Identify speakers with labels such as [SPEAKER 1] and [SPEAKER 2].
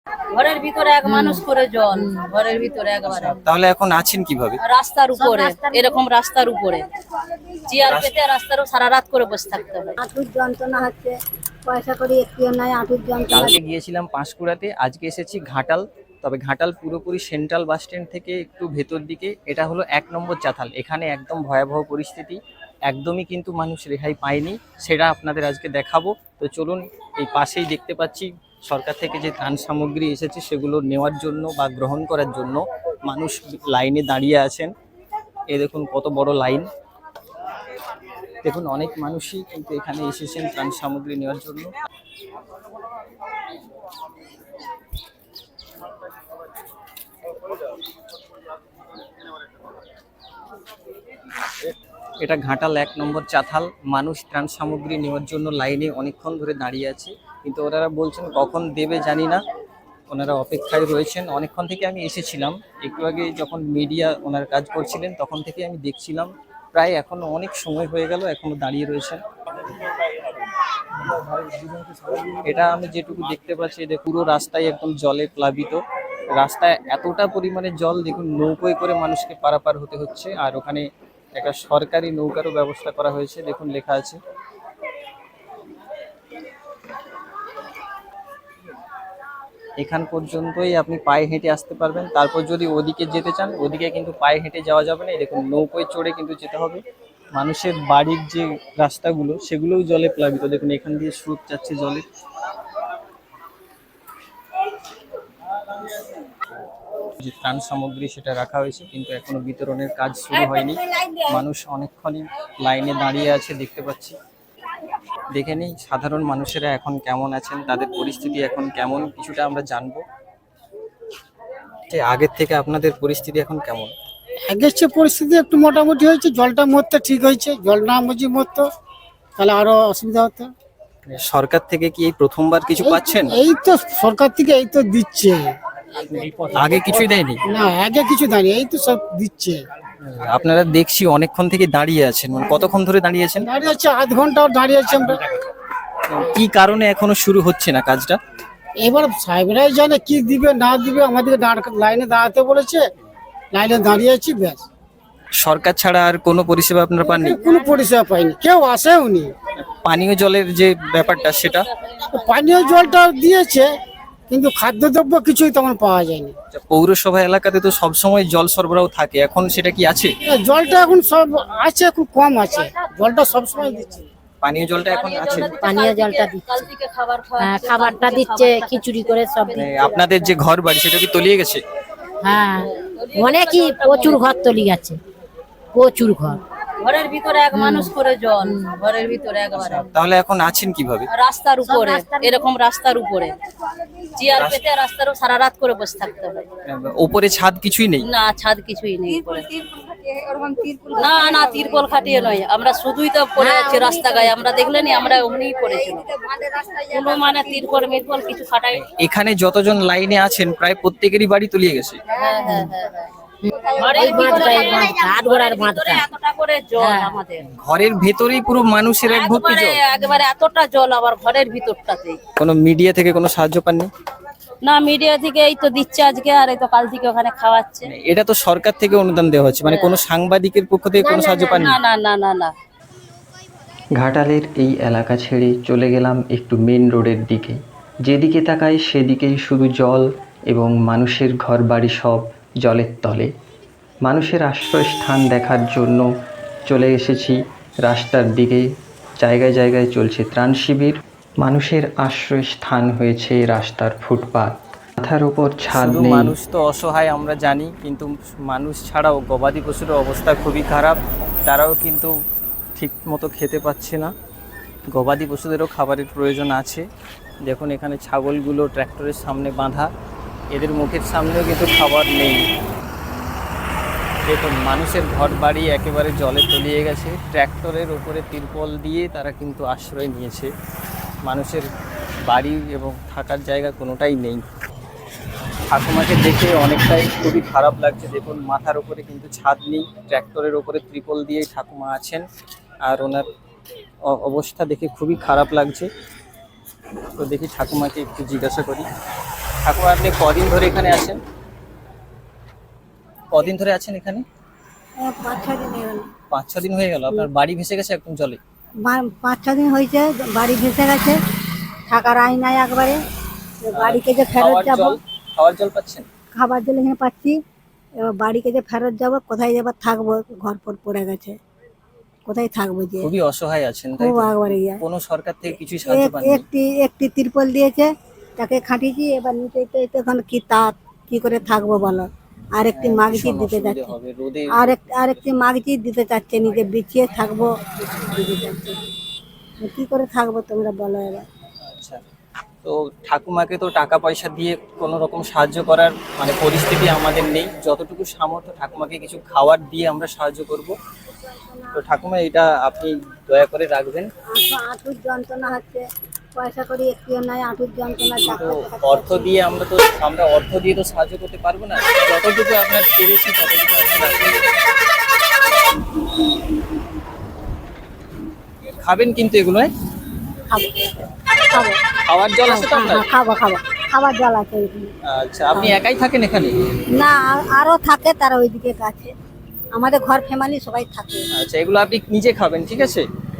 [SPEAKER 1] ঘরের ভিতরে এক মানুষ করে জল, ঘরের ভিতরে একবারে।
[SPEAKER 2] তাহলে এখন আছেন কিভাবে?
[SPEAKER 1] রাস্তার উপরে, এরকম রাস্তার উপরে চেয়ার পেতে রাস্তারও সারা রাত করে বসে থাকতে হয়।
[SPEAKER 3] হাঁটুর যন্ত্রণা হচ্ছে, পয়সা করি একটিও নাই, হাঁটুর যন্ত্রণা।
[SPEAKER 2] কালকে গিয়েছিলাম পাঁশকুড়াতে, আজকে এসেছি ঘাটাল। তবে ঘাটাল পুরোপুরি সেন্ট্রাল বাস স্ট্যান্ড থেকে একটু ভেতর দিকে। এটা হলো 1 নম্বর চাতাল। এখানে একদম ভয়াবহ পরিস্থিতি, একদমই কিন্তু মানুষ রেহাই পায়নি, সেটা আপনাদের আজকে দেখাবো। তো চলুন, এই পাশেই দেখতে পাচ্ছি সরকার থেকে যে ত্রাণ সামগ্রী এসেছে সেগুলো নেওয়ার জন্য বা গ্রহণ করার জন্য মানুষ লাইনে দাঁড়িয়ে আছেন। এই দেখুন কত বড় লাইন। দেখুন অনেক মানুষই কিন্তু এখানে এসেছেন ত্রাণ সামগ্রী নেওয়ার জন্য। এটা ঘাটাল 1 নম্বর চাতাল। মানুষ ত্রাণ সামগ্রী নেওয়ার জন্য লাইনে অনেকক্ষণ ধরে দাঁড়িয়ে আছে, কিন্তু ওনারা বলছেন কখন দেবে জানি না, ওনারা অপেক্ষায় রয়েছেন। অনেকক্ষণ থেকে আমি এসেছিলাম, একটু আগে যখন মিডিয়া ওনার কাজ করছিলেন তখন থেকে আমি দেখছিলাম, প্রায় এখনো অনেক সময় হয়ে গেল, এখনো দাঁড়িয়ে রয়েছেন। এটা আমি যেটুকু দেখতে পাচ্ছি, এটা পুরো রাস্তায় একদম জলে প্লাবিত। রাস্তায় এতটা পরিমাণে জল, দেখুন নৌকোয় করে মানুষকে পারাপার হতে হচ্ছে। আর ওখানে একটা সরকারি নৌকারও ব্যবস্থা করা হয়েছে, দেখুন লেখা আছে। এখান পর্যন্তই আপনি পায়ে হেঁটে আসতে পারবেন, তারপর যদি ওদিকে যেতে চান ওদিকে কিন্তু পায়ে হেঁটে যাওয়া যাবে না, দেখুন নৌকোয় চড়ে কিন্তু যেতে হবে। মানুষের বাড়ির যে রাস্তাগুলো সেগুলোও জলে প্লাবিত, দেখুন এখান দিয়ে স্রোত যাচ্ছে জলে। যে ত্রাণ সামগ্রী সেটা রাখা হয়েছে, কিন্তু এখনো বিতরণের কাজ শুরু হয়নি। মানুষ অনেকক্ষণই লাইনে দাঁড়িয়ে আছে দেখতে পাচ্ছি। দেখে নিই সাধারণ মানুষেরা এখন কেমন আছেন, তাদের পরিস্থিতি এখন কেমন, কিছুটা আমরা জানবো। আগের থেকে আপনাদের পরিস্থিতি এখন কেমন?
[SPEAKER 4] আগের চেয়ে পরিস্থিতি একটু মোটামুটি হয়েছে, জলটা মরতে ঠিক হয়েছে। জল না মজি মরতো তাহলে আরো অসুবিধা হতো।
[SPEAKER 2] সরকার থেকে কি এই প্রথমবার কিছু পাচ্ছেন?
[SPEAKER 4] এই তো সরকার থেকে এই তো দিচ্ছে,
[SPEAKER 2] আগে কিছুই দেয়নি?
[SPEAKER 4] না আগে কিছু দেয়নি, এই তো সব দিচ্ছে।
[SPEAKER 2] আপনারা দেখছি অনেকক্ষণ থেকে দাঁড়িয়ে আছেন, মানে কতক্ষণ ধরে দাঁড়িয়ে আছেন?
[SPEAKER 4] দাঁড়িয়ে আছে আধ ঘন্টা দাঁড়িয়ে আছি আমরা।
[SPEAKER 2] কি কারণে এখনো শুরু হচ্ছে না কাজটা?
[SPEAKER 4] এবার সাহেবরাই জানে কি দিবে না দিবে, আমাদেরকে লাইনে দাঁড়াতে বলেছে, লাইনে দাঁড়িয়ে আছি ব্যাস।
[SPEAKER 2] সরকার ছাড়া আর কোনো পরিষেবা আপনারা পাননি?
[SPEAKER 4] কোনো পরিষেবা পাইনি, কেউ আসেও নি।
[SPEAKER 2] পানীয় জলের যে ব্যাপারটা সেটা?
[SPEAKER 4] পানীয় জলটা দিয়েছে, কিন্তু খাদ্যদ্রব্য কিছুই তেমন পাওয়া যায়নি।
[SPEAKER 2] পৌরসভা এলাকাতে তো সবসময় জল সরবরাহ থাকে, এখন সেটা কি আছে?
[SPEAKER 4] জলটা এখন সব আছে, খুব কম আছে, জলটা সবসময় দিচ্ছে।
[SPEAKER 2] পানীয় জলটা এখন আছে?
[SPEAKER 3] পানীয় জলটা দিচ্ছে,
[SPEAKER 1] কাল থেকে
[SPEAKER 3] খাবারটা দিচ্ছে খিচুড়ি করে সব দিচ্ছে।
[SPEAKER 2] আপনাদের যে ঘর বাড়ি সেটা কি তলিয়ে গেছে?
[SPEAKER 3] হ্যাঁ, অনেকই প্রচুর ঘর তলি গেছে, প্রচুর ঘর।
[SPEAKER 1] ঘরের ভিতরে এক মানুষ করে জল, ঘরের ভিতরে একবারে।
[SPEAKER 2] তাহলে এখন আছেন কিভাবে?
[SPEAKER 1] রাস্তার উপরে, এরকম রাস্তার উপরে চেয়ার পেতে রাস্তারও সারা রাত করে বসে থাকতে হয়।
[SPEAKER 2] উপরে ছাদ কিছুই নেই?
[SPEAKER 1] না, ছাদ কিছুই নেই উপরে। না না, তিরপল খাটিয়ে নয়, আমরা শুধুই তো পড়ে আছি রাস্তা গায়ে। আমরা দেখলেনি, আমরা ওখানেই পড়েছিল, কোনো মানে তিরপল মিরপল কিছু খাটাই।
[SPEAKER 2] এখানে যতজন লাইনে আছেন প্রায় প্রত্যেকেরই বাড়ি তলিয়ে গেছে।
[SPEAKER 1] হ্যাঁ হ্যাঁ হ্যাঁ হ্যাঁ। এতটা করে জল আমাদের
[SPEAKER 2] ঘরের ভেতরেই পুরো মানুষের এক ভর্তি জল,
[SPEAKER 1] একেবারে এতটা জল আবার ঘরের ভিতরটাতেই।
[SPEAKER 2] কোনো মিডিয়া থেকে কোনো সাহায্য পাননি?
[SPEAKER 1] না, মিডিয়া থেকে এই তো দিচ্ছে আজকে, আর এই তো কাল থেকে ওখানে খাওয়াচ্ছে।
[SPEAKER 2] এটা তো সরকার থেকে অনুদান দেওয়া হচ্ছে, মানে কোনো সাংবাদিকের পক্ষ থেকে কোনো সাহায্য পাননি?
[SPEAKER 1] না না না না না।
[SPEAKER 5] ঘাটালের এই এলাকা ছেড়ে চলে গেলাম একটু মেন রোডের দিকে। যেদিকে তাকাই সেদিকেই শুধু জল এবং মানুষের ঘর বাড়ি সব জলের তলে। মানুষের আশ্রয়স্থান দেখার জন্য চলে এসেছি রাস্তার দিকে। জায়গায় জায়গায় চলছে ত্রাণ শিবির। মানুষের আশ্রয়স্থান হয়েছে রাস্তার ফুটপাত, মাথার উপর ছাদ নেই।
[SPEAKER 2] মানুষ তো অসহায় আমরা জানি, কিন্তু মানুষ ছাড়াও গবাদি পশুর অবস্থা খুবই খারাপ, তারাও কিন্তু ঠিক মতো খেতে পাচ্ছে না। গবাদি পশুদেরও খাবারের প্রয়োজন আছে। দেখুন এখানে ছাগলগুলো ট্র্যাক্টরের সামনে বাঁধা, এদের মুখের সামনেও কিন্তু খাবার নেই। দেখুন মানুষের ঘর বাড়ি একেবারে জলে তলিয়ে গেছে, ট্র্যাক্টরের ওপরে তিরপল দিয়ে তারা কিন্তু আশ্রয় নিয়েছে। মানুষের বাড়ি এবং থাকার জায়গা কোনোটাই নেই। ঠাকুমাকে দেখে অনেকটাই খুবই খারাপ লাগছে। দেখুন মাথার উপরে কিন্তু ছাদ নেই, ট্র্যাক্টরের ওপরে ত্রিপল দিয়েই ঠাকুমা আছেন, আর ওনার অবস্থা দেখে খুবই খারাপ লাগছে। তো দেখি ঠাকুমাকে একটু জিজ্ঞাসা করি। ঠাকুমা, আপনি কদিন ধরে এখানে আছেন? কদিন ধরে আছেন এখানে?
[SPEAKER 6] 5-6 দিন হয়ে গেল।
[SPEAKER 2] 5-6 দিন হয়ে গেল। আপনার বাড়ি ভেসে গেছে একদম জলে?
[SPEAKER 6] 5-6 দিন হয়েছে, বাড়ি ভেসে গেছে, থাকার আই নাই একবারে। বাড়িকে যে ফেরত
[SPEAKER 2] খাওয়ার
[SPEAKER 6] যাব,
[SPEAKER 2] জল, খাওয়ার জল পাচ্ছেন?
[SPEAKER 6] খাবার জল এখানে পাচ্ছি, এবার বাড়িকে যে ফেরত যাব, কোথায় যাবার থাকবো, ঘর পর পড়ে গেছে, কোথায় থাকবো যে,
[SPEAKER 2] খুবই অসহায় আছেন, তাই
[SPEAKER 6] খুব
[SPEAKER 2] তো?
[SPEAKER 6] একবারে ইয়ে।
[SPEAKER 2] কোনো সরকার থেকে কিছুই সাহায্য পাননি?
[SPEAKER 6] একটি তিরপল দিয়েছে, তাকে খাটিয়েছি, এবার নিচে এখন কি তা কি করে থাকবো বলো। আরেকটি মাগজি
[SPEAKER 2] ভীষণ
[SPEAKER 6] দিতে
[SPEAKER 2] অসুবিধা
[SPEAKER 6] যাচ্ছে,
[SPEAKER 2] হবে রোদে।
[SPEAKER 6] আরেকটি মাগজি দিতে চাচ্ছে, নিজে বিছিয়ে থাকবো দিতে চাচ্ছে। কি করে থাকবো তোমরা বলো এবার।
[SPEAKER 2] আচ্ছা, তো ঠাকুমাকে তো টাকা পয়সা দিয়ে কোনো রকম সাহায্য করার মানে পরিস্থিতি আমাদের নেই। যতটুকু সামর্থ্য ঠাকুমাকে কিছু খাবার দিয়ে আমরা সাহায্য করব। তো ঠাকুমা, এটা আপনি দয়া করে রাখবেন।
[SPEAKER 6] আঁটুর যন্ত্রণা হচ্ছে, পয়সা করি একটিও নাই, আঁটুর যন্ত্রণা।
[SPEAKER 2] তো অর্থ দিয়ে আমরা অর্থ দিয়ে তো সাহায্য করতে পারবো না। যতটুকু আপনার পেরেছি ততটুকু আপনি রাখবেন। খাবেন কিন্তু এগুলো, হ্যাঁ?
[SPEAKER 6] খাবো খাবো
[SPEAKER 2] খাওয়ার জল আছে তো আপনার?
[SPEAKER 6] হ্যাঁ, খাবো খাবার জল আছে ওইখানে।
[SPEAKER 2] আচ্ছা, আপনি একাই থাকেন এখানে?
[SPEAKER 6] না, আরো থাকে, তারা ওইদিকে কাছে, আমাদের ঘর ফ্যামিলি সবাই থাকে।
[SPEAKER 2] আচ্ছা, এগুলো আপনি নিজে খাবেন, ঠিক আছে?